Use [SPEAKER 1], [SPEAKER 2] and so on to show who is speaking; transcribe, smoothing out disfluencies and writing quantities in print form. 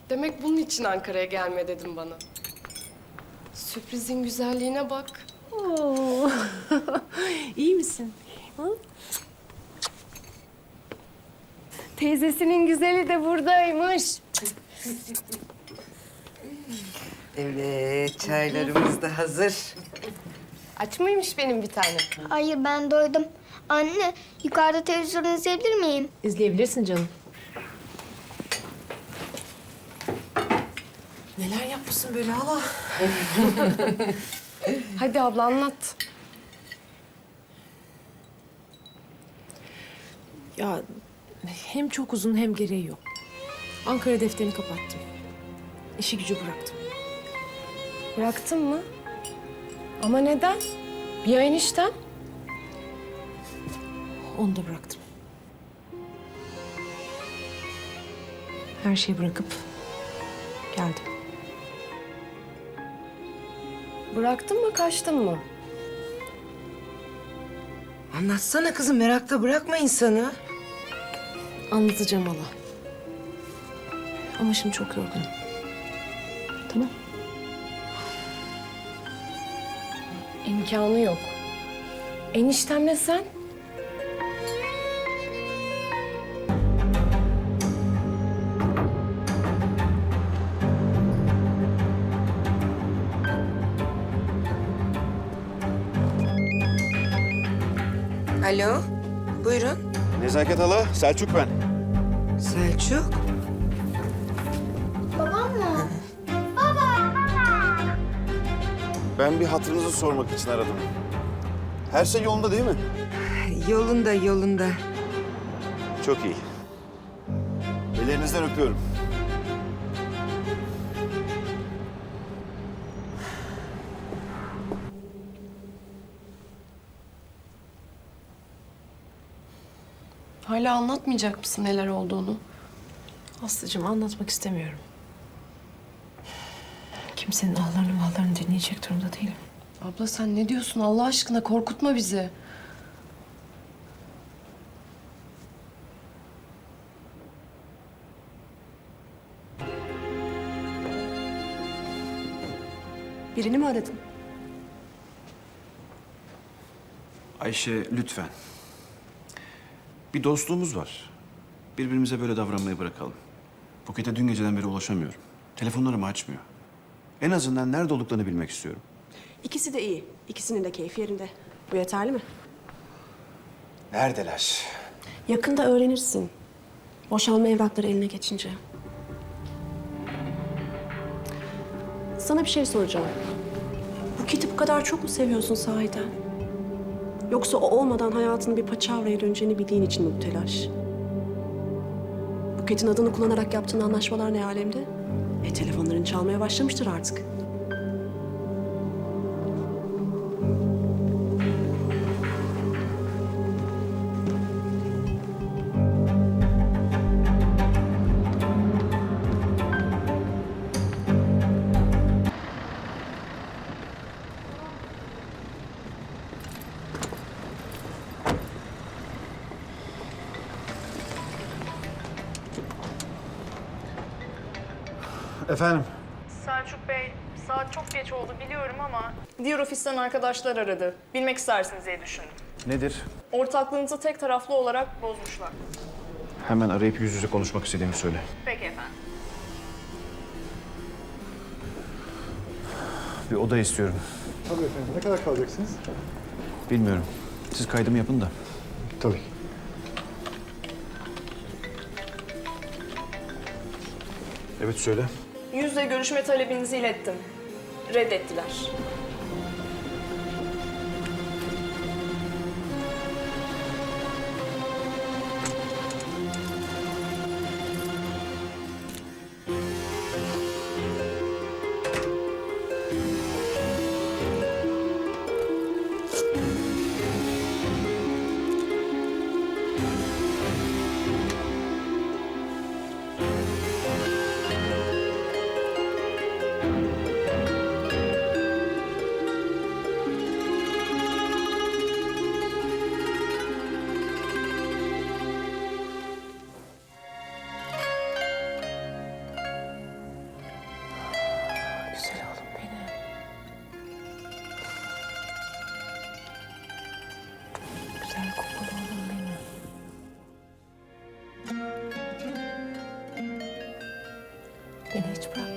[SPEAKER 1] Demek bunun için Ankara'ya gelme dedim bana. Sürprizin güzelliğine bak.
[SPEAKER 2] Oo. İyi misin? Hı?
[SPEAKER 1] Teyzesinin güzeli de buradaymış.
[SPEAKER 3] Evet, çaylarımız da hazır.
[SPEAKER 1] Aç mıymış benim bir tane?
[SPEAKER 4] Hayır ben doydum. Anne yukarıda televizyon izleyebilir miyim?
[SPEAKER 2] İzleyebilirsin canım. Neler yapmışsın böyle hala?
[SPEAKER 1] Hadi abla anlat.
[SPEAKER 2] Ya hem çok uzun hem gereği yok. Ankara defterini kapattım. İşi gücü bıraktım.
[SPEAKER 1] Bıraktın mı? Ama neden? Bir ayın işten.
[SPEAKER 2] Onu da bıraktım. Her şeyi bırakıp geldim.
[SPEAKER 1] Bıraktın mı, kaçtın mı?
[SPEAKER 3] Anlatsana kızım, merakta bırakma insanı.
[SPEAKER 2] Anlatacağım hala. Ama şimdi çok yorgunum. Tamam.
[SPEAKER 1] İmkanı yok. Eniştemle sen.
[SPEAKER 3] Alo, buyurun.
[SPEAKER 5] Nezaket hala, Selçuk ben.
[SPEAKER 3] Selçuk.
[SPEAKER 4] Babam mı?
[SPEAKER 5] Ben bir hatırınızı sormak için aradım. Her şey yolunda değil mi?
[SPEAKER 3] Yolunda, yolunda.
[SPEAKER 5] Çok iyi. Ellerinizden öpüyorum.
[SPEAKER 1] Hala anlatmayacak mısın neler olduğunu?
[SPEAKER 2] Aslıcığım anlatmak istemiyorum. Kimsenin ahlarını vahlarını dinleyecek durumda değilim.
[SPEAKER 1] Abla sen ne diyorsun Allah aşkına, korkutma bizi.
[SPEAKER 2] Birini mi aradın?
[SPEAKER 5] Ayşe, lütfen. Bir dostluğumuz var. Birbirimize böyle davranmayı bırakalım. Buket'e dün geceden beri ulaşamıyorum. Telefonlarımı açmıyor. En azından nerede olduklarını bilmek istiyorum.
[SPEAKER 6] İkisi de iyi. İkisinin de keyfi yerinde. Bu yeterli mi?
[SPEAKER 5] Neredeler?
[SPEAKER 6] Yakında öğrenirsin. Boşanma evrakları eline geçince. Sana bir şey soracağım. Buket'i bu kadar çok mu seviyorsun sahiden? Yoksa o olmadan hayatının bir paçavraya döneceğini bildiğin için mi bu telaş? Buket'in adını kullanarak yaptığın anlaşmalar ne alemde? Telefonların çalmaya başlamıştır artık.
[SPEAKER 5] Efendim?
[SPEAKER 7] Selçuk Bey, saat çok geç oldu biliyorum ama diğer ofisten arkadaşlar aradı. Bilmek istersiniz diye düşündüm.
[SPEAKER 5] Nedir?
[SPEAKER 7] Ortaklığınızı tek taraflı olarak bozmuşlar.
[SPEAKER 5] Hemen arayıp yüz yüze konuşmak istediğimi söyle.
[SPEAKER 7] Peki efendim.
[SPEAKER 5] Bir oda istiyorum.
[SPEAKER 8] Tabii efendim. Ne kadar kalacaksınız?
[SPEAKER 5] Bilmiyorum. Siz kaydımı yapın da.
[SPEAKER 8] Tabii.
[SPEAKER 5] Evet söyle.
[SPEAKER 7] Yüzle görüşme talebinizi ilettim. Reddettiler.
[SPEAKER 2] güzel kokulu oğlum benim. Beni hiç bırakma.